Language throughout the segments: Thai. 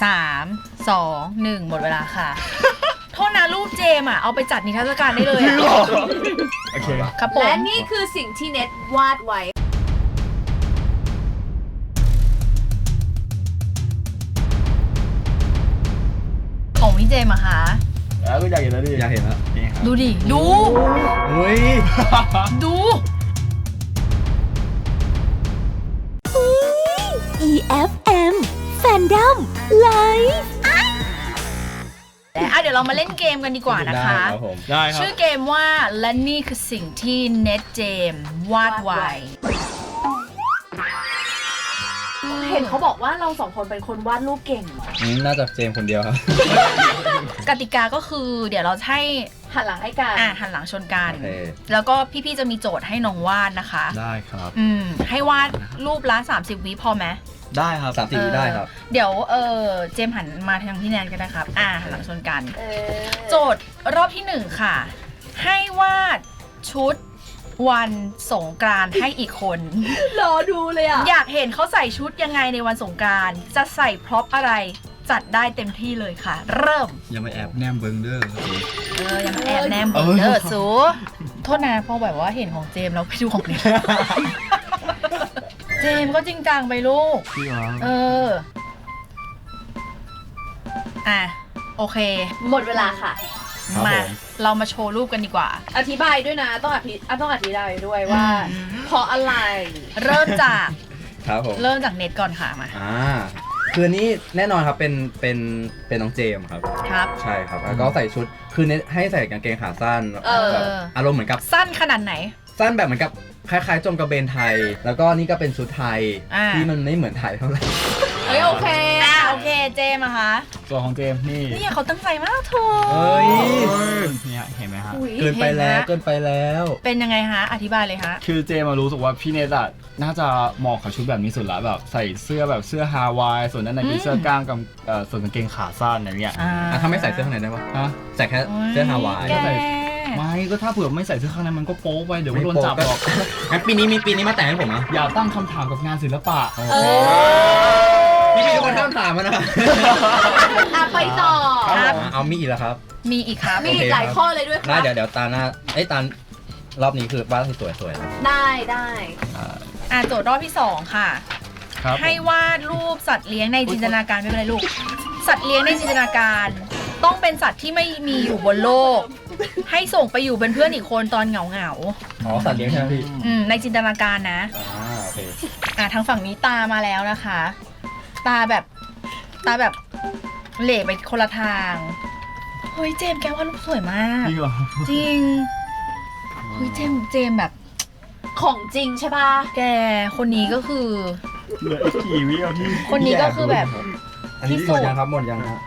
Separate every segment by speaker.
Speaker 1: 3 2 1หมดเวลาค่ะ โทษนะรูปเจมเอาไปจัดนิทรรศการได้เลยอะ
Speaker 2: โอเค
Speaker 1: ครับผม
Speaker 3: และนี่คือสิ่งที่เน็ตวาดไว้
Speaker 1: ของพี่เจมอะคะ
Speaker 2: แล้วก็อยากเห็นแล้วดิ
Speaker 4: อยากเห็นแล้ว
Speaker 2: นี่ครับ
Speaker 1: ดูดิดู
Speaker 4: เฮ้ย
Speaker 1: ดู
Speaker 5: EFM Fandom Live
Speaker 1: และเดี๋ยวเรามาเล่นเกมกันดีกว่านะคะ
Speaker 4: ได้ครับผม
Speaker 2: ได้ครับ
Speaker 1: ชื่อเกมว่าและนี่คือสิ่งที่เน็ตเจมวาดไว้
Speaker 3: เห็นเขาบอกว่าเราสองคนเป็นคนวาดรูปเก่งเหรอ
Speaker 4: น่าจะเจมส์คนเดียวครับ
Speaker 1: กติกาก็คือเดี๋ยวเราให้
Speaker 3: หันหลังให้กัน
Speaker 1: หันหลังชนกัน
Speaker 4: โอเค
Speaker 1: แล้วก็พี่ๆจะมีโจทย์ให้น้องวาดนะคะ
Speaker 2: ได้ครับ
Speaker 1: ให้วาดรูปละ30 วิพอไหม
Speaker 2: ได้ครับ
Speaker 4: 30 วิได้ครับ
Speaker 1: เดี๋ยวเจมส์หันมาทางพี่แนนกันนะครับหันหลังชนกัน โจทย์รอบที่ 1 ค่ะ ให้วาดชุดวันสงกรานต์ให้อีกคน
Speaker 3: รอดูเลยอ่ะ
Speaker 1: อยากเห็นเขาใส่ชุดยังไงในวันสงกรานต์จะใส่พร็อพอะไรจัดได้เต็มที่เลยค่ะ เริ่ม
Speaker 4: อย่ามาแอบแนมเบิงเด้อ
Speaker 1: อย่ามาแอบแนมเบอร์เดอร์สูโทษนะพอแบบว่าเห็นของเจมส์เราไปดูของเน็ต เจมส์ก็จริงจังไปลูก
Speaker 2: พี่เหรอ
Speaker 1: โอเค
Speaker 3: หมดเวลาค่ะ
Speaker 1: มาเรามาโชว์รูปกันดีกว่า
Speaker 3: อธิบายด้วยนะ ต้องอธิบายด้วยว่าเพราะอะไร
Speaker 1: เริ่มจาก
Speaker 4: ครับผม
Speaker 1: เริ่มจากเน็ตก่อนค่ะมา
Speaker 4: คือนี้แน่นอนครับเป็นน้องเจมส์ครับ
Speaker 1: ครับ
Speaker 4: ใช่ครับแล้วก็ใส่ชุดคือเน้นให้ใส่กางเกงขาสั้นแบบอารมณ์เหมือนกับ
Speaker 1: สั้นขนาดไหน
Speaker 4: สั้นแบบเหมือนกับคล้ายๆจงกระเบนไทย แล้วก็นี่ก็เป็นชุดไทยที่มันไม่เหมือนไทยเท่าไหร่
Speaker 3: โอเค
Speaker 1: โอเคเจมส์อะคะ
Speaker 2: ส่วนของเจมส์นี่
Speaker 1: เนี่ยเขาตั้งใจมากเธอ
Speaker 4: เฮ้ย
Speaker 2: เนี่ยเห็นไหมฮะ
Speaker 4: เกินไปแล้วเกินไปแล้ว
Speaker 1: เป็นยังไงฮะอธิบายเลยฮะ
Speaker 2: คือเจมารู้สึกว่าพี่เนทอะน่าจะเหมาะกับชุดแบบนี้สุดละแบบใส่เสื้อแบบเสื้อฮาวายส่วนด้านในเป็นเสื้อกล้ามกับส่วนกางเกงขาสั้นอะไรเงี้ย
Speaker 4: ถ้าไม่ใส่เสื้อข้างในได้ปะ
Speaker 2: ฮะ
Speaker 4: ใส่แค่เสื้อฮาวาย
Speaker 1: แก
Speaker 2: ไม่ก็ถ้าเผื่อไม่ใส่เสื้อข้างในมันก็โป๊ไปเดี๋ยวก็โดนจับหรอก
Speaker 4: งั้นปีนี้มาแต่งให้ผมนะ
Speaker 2: อย่าตั้งคำถามกับงานศิลปะ
Speaker 4: พี่ทุกคนห้ามถามมันนะ
Speaker 3: ไปต่อ
Speaker 4: เอามีอีกแล้วครับ
Speaker 1: มีอีกครับ
Speaker 3: มีอีกหลายข้อเลยด้วยค
Speaker 4: ได้
Speaker 3: รับ
Speaker 4: เดี๋ยวตาหน้าตารอบนี้คือวาดให้สวยๆนะ
Speaker 3: ได้
Speaker 1: โจทย์รอบที่ 2 ค่ะ
Speaker 2: ครับ
Speaker 1: ให้วาดรูปสัตว์เลี้ยงในจินตนาการไม่เป็นไรลูก สัตว์เลี้ยงในจินตนาการ ต้องเป็นสัตว์ที่ไม่มีอยู่บนโลก ให้ส่งไปอยู่เป็นเพื่อนอีกคนตอนเหงา
Speaker 4: อ๋อสัตว์เลี้ยงใช่ไหมพี่
Speaker 1: ในจินตนาการนะ
Speaker 4: โอเค
Speaker 1: ทางฝั่งนี้ตามาแล้วนะคะ ตาแบบเหล่ไปคนละทางเฮ้ยเจมส์แกวาดรูปสวยมาก
Speaker 2: จริงเหรอ
Speaker 1: จริงเฮ้ยเจมส์แบบ
Speaker 3: ของจริงใช่ป่ะ
Speaker 1: แกคนนี้ก็คือ
Speaker 2: เหลืออีกกี่วิเอาที่
Speaker 1: คนนี้ก็คือแบบ
Speaker 4: อันนี้หมดยังครับหมดยังครับ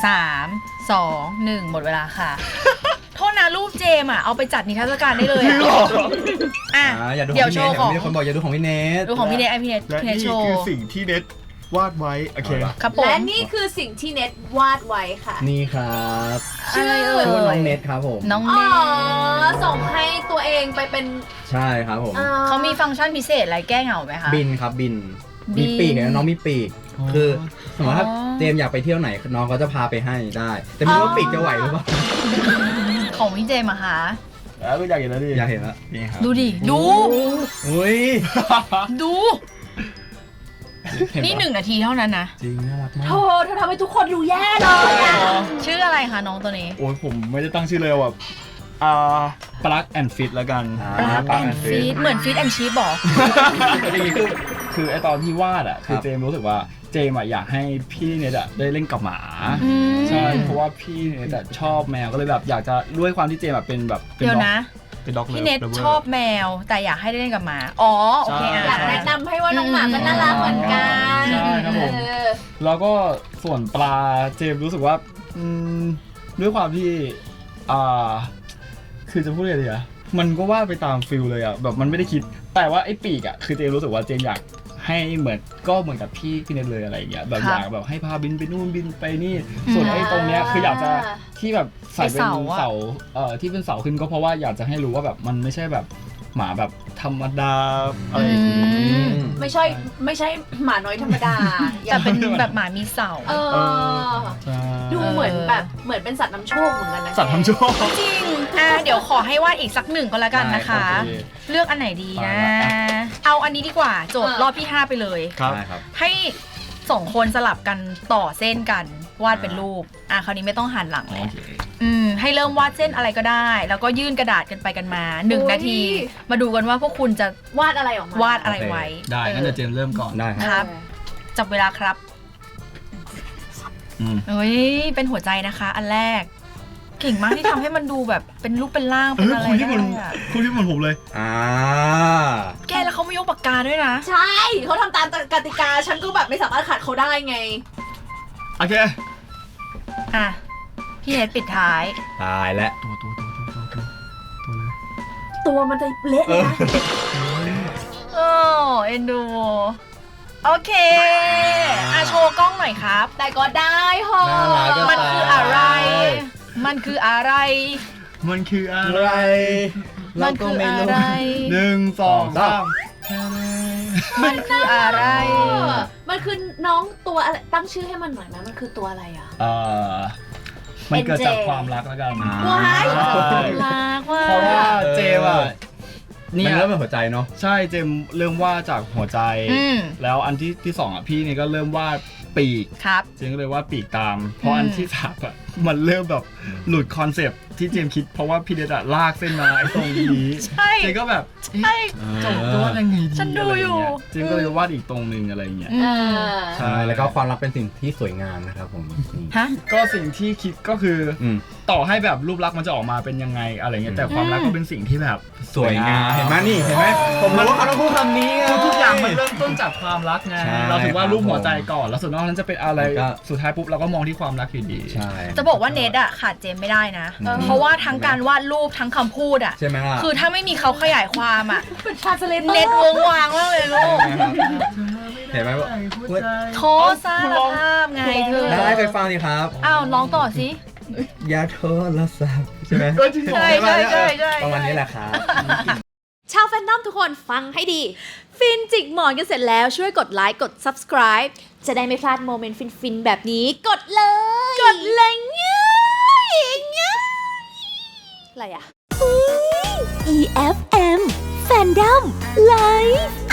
Speaker 1: 3 2 1หมดเวลาค่ะ โทษนะรูปเจมเอาไปจัดนิทรรศการได้เลย
Speaker 4: อย่าดู
Speaker 1: เดี๋ยวโชว์ของ
Speaker 4: มีคนบอกอย่าดูของพี่เนท
Speaker 1: ดูของพี่เนทพี่เนท
Speaker 2: และ
Speaker 1: พี่เนท
Speaker 2: นี่
Speaker 1: โชว์
Speaker 2: คือสิ่งที่เน็ตวาดไว้โอเค
Speaker 1: ครับผม
Speaker 3: และนี่คือสิ่งที่เน็ตวาดไว้ค่ะ
Speaker 4: นี่ครับ
Speaker 1: อะไรเอ่ย
Speaker 4: ชื่อว่าน้องเนทครับผม
Speaker 1: น้อง
Speaker 3: อ๋
Speaker 1: เน
Speaker 3: อ
Speaker 1: ท
Speaker 3: ส่งให้ตัวเองไปเป็น
Speaker 4: ใช่ครับผม
Speaker 1: เขามีฟังก์ชันพิเศษอะไรแก้เหงาไหมคะ
Speaker 4: บินครับบิน
Speaker 1: บิ
Speaker 4: มี
Speaker 1: น
Speaker 4: ปีกน้องมีปีก
Speaker 2: อ๋อ
Speaker 4: คือสมมติถ้า
Speaker 1: อ๋อ
Speaker 4: เจมส์อยากไปเที่ยวไหนน้องก็จะพาไปให้ได้ แต่ไม่รู้ว่าปีกจะไหวหรือเปล่า
Speaker 1: ของพี่เจมอะคะ
Speaker 2: แล้วก็อยากเห็นแล้วดิ
Speaker 4: อยากเห็นแล้ว
Speaker 2: นี่ครับ
Speaker 1: ดูดิดู
Speaker 4: อุ้ย
Speaker 1: ดู นี่1 นาทีเท่านั้นนะ
Speaker 4: จริงน่ารักมาก
Speaker 3: เธอทำให้ทุกคนดูแย่เลยอะ
Speaker 1: ชื่ออะไรคะน้องตัวนี้
Speaker 2: โอ้ยผมไม่ได้ตั้งชื่อเลยแบบปลั๊กแอนด์ฟิตแล้วกัน
Speaker 1: ปลั๊กแอนด์ฟีดเหมือนฟีดแอนด์ชีฟบอก
Speaker 2: คือไอตอนที่วาดอ่ะคือเจมรู้สึกว่าเจมอยากให้พี่เนทได้เล่นกับหมาใช่เพราะว่าพี่เนทชอบแมวก็เลยแบบอยากจะด้วยความที่เจมแบบเป็นแบบเป็น
Speaker 1: เดี๋ยวนะ
Speaker 2: เป็นด็อก
Speaker 1: พี่เน็ตชอบแมวแต่อยากให้ได้เล่นกับหมา อ๋อโอเค
Speaker 3: อยากแนะนำให้ว่าน้องหมาก็น่ารักเหมือนกัน
Speaker 2: ใช่ครับผมแล้วก็ส่วนปลาเจมรู้สึกว่าด้วยความที่คือจะพูดอะไรดีอะมันก็วาดไปตามฟิลเลยอะแบบมันไม่ได้คิดแต่ว่าไอ้ปีกอะคือเจมรู้สึกว่าเจมอยากให้เหมือนกับพี่เน็ตเลยอะไรอย่างเงี้ยแบบอยากแบบให้พาบินไปนู่นบินไปนี่ส่วนไอ้ตรงเนี้ยคืออยากจะที่แบบใส่เป็นเสาที่เป็นเสาขึ้นก็เพราะว่าอยากจะให้รู้ว่าแบบมันไม่ใช่แบบหมาแบบธรรมดาอะไรอย่างงี้
Speaker 3: ไม่ใช่หมาน้อยธรรมดา
Speaker 1: แต่เป็นแบบหมามีเสา
Speaker 3: เออ
Speaker 2: ใช่
Speaker 3: ดูเหมือนเป็นสัตว์น้ำโชคเหมือนกันนะ
Speaker 2: สัตว์ทำโชค
Speaker 1: จริงเดี๋ยวขอให้วาดอีกสักหนึ่งก็แล้วกันนะคะ
Speaker 2: ได้ครับ
Speaker 1: เลือกอันไหนดีนะ
Speaker 2: เอาละ
Speaker 1: เอาอันนี้ดีกว่าโจทย์รอบที่ 5 ไปเลย
Speaker 2: ครับ
Speaker 4: ได้ครับ
Speaker 1: ให้2 คนสลับกันต่อเส้นกันวาดเป็นรูปคราวนี้ไม่ต้องหันหลังเลยให้เริ่มวาดเส้นอะไรก็ได้ แล้วก็ยื่นกระดาษกันไปกันมา1 นาที มาดูกันว่าพวกคุณจะ
Speaker 3: วาดอะไรออกมาว
Speaker 1: าดอะไรไว้
Speaker 2: ได้งั้นเดี๋ยวเจมส์เริ่มก่อน
Speaker 4: ได้ค
Speaker 1: ครับ รับจับเวลาครับ
Speaker 2: อืม
Speaker 1: เฮ้ยเป็นหัวใจนะคะ อันแรก เก่งมากที่ทำให้มันดูแบบเป็นรูปเป็นร่างเป็นอะไร
Speaker 2: คุณที่
Speaker 1: ได้
Speaker 2: มัน
Speaker 1: อะ
Speaker 2: คุณที่มันผมเลย
Speaker 1: แกแล้วเขาไม่ยกปากกาด้วยนะ
Speaker 3: ใช่เขาทำตามกติกาฉันก็แบบไม่สามารถขัดเขาได้ไง
Speaker 2: โอเค
Speaker 1: อ่ะพี่เนทปิดท้าย
Speaker 4: ตายแล้ว
Speaker 2: ตัวเลย
Speaker 3: ตัวมันจะเละเลยนะ
Speaker 1: โอ้เอ็นดู โอเคโชว์กล้องหน่อยครับ
Speaker 3: แต่ก็ได้ฮะ
Speaker 4: น่ารักอะ
Speaker 1: มันคืออะไร มันคืออะไร
Speaker 2: มันคืออะ
Speaker 4: อะไร ไร
Speaker 1: มันคืออะไร
Speaker 2: หนึ่งสองสาม
Speaker 1: มันคืออะไร
Speaker 3: มันคือน้องตัวอะไรตั้งชื่อให้มันหน่อยไหมมันคือตัวอะไรอ่ะ
Speaker 2: มันเกิดจาก
Speaker 3: NJ
Speaker 2: ความรักแล้วกัน
Speaker 3: ว้าย
Speaker 2: ใช่
Speaker 1: รักว่า
Speaker 2: เพราะว่าเจมส์อะ
Speaker 4: นี่
Speaker 2: เนี่ย
Speaker 4: เริ่มเป็นหัวใจเนาะ
Speaker 2: ใช่เจมส์เริ่มวาดจากหัวใจ แล้วอันที่สองอ่ะพี่นี่ก็เริ่มวาดปีก
Speaker 1: ครับ
Speaker 2: เจมส์ก็เลยวาดปีกตาม เพราะอันที่สามอ่ะมันเริ่มแบบหลุดคอนเซปต์ที่เจมส์คิด เพราะว่าพี่เดชอะลากเส้นมาไอ้ตรงนี้
Speaker 1: ใช่
Speaker 2: เจมส์ก็แบบ
Speaker 1: ใช่
Speaker 2: จะวาดยังไงดี
Speaker 1: ฉันดูอยู่
Speaker 2: ะไรเงี้เจมส์ก็เลยวาดอีกตรงหนึ่งอะไรเงี้ย
Speaker 4: ใช่ แล้วก็ความรักเป็นสิ่งที่สวยงามนะครับผมนี่
Speaker 1: ฮะ
Speaker 2: ก็สิ่งที่คิดก็คือ
Speaker 4: อืม
Speaker 2: ต่อให้แบบรูปลักษณ์มันจะออกมาเป็นยังไงอะไรเงี้ยแต่ความรักก็เป็นสิ่งที่แบบ
Speaker 4: สวยงาม เห็นไหมนี่ เห็นไหมผมรู้ว่าเขาต้องพูดคำนี้ไง
Speaker 2: ทุกอย่างมันเริ่มต้นจากความรักไง
Speaker 4: ใช่
Speaker 2: เราถือว่ารูปหัวใจก่อนแล้วส่วนนอกนั้นจะเป็นอะไร
Speaker 4: แล้วก็
Speaker 2: สุดท้ายปุ๊บเราก็มองที่ความรักอยู่ดี
Speaker 4: ใช่
Speaker 1: จะบอกว่าเนทอะขาดเจมไม่ได้นะ เพราะว่าทั้งการวาดรูปทั้งคำพูดอะ
Speaker 4: ใช่ไหมล่ะ
Speaker 1: คือถ้าไม่มีเขาขยายความอะ
Speaker 3: เป็นทรานสเลเตอร์
Speaker 1: เน็ตวงวางมากเลยลูก
Speaker 4: เห็นไหมว่า
Speaker 1: โทสารภาพไงเธอ
Speaker 4: ได้เคยฟังนี่ครับ
Speaker 1: อ้าวร้องต่อสิ
Speaker 4: อย่าโทรศัพท์ใช่ไหม
Speaker 2: ก็จริง
Speaker 1: ใช่ใช่ใช่ใช่
Speaker 4: ประมาณนี้แหละครับ
Speaker 3: ชาวแฟนนอมทุกคนฟังให้ดี ฟินจิกหมอนกันเสร็จแล้วช่วยกดไลค์กด subscribe จะได้ไม่พลาดโมเมนต์ฟินๆแบบนี้ กดเลย กดเลยง่ายอะไรอะ
Speaker 5: EFM Fandom Live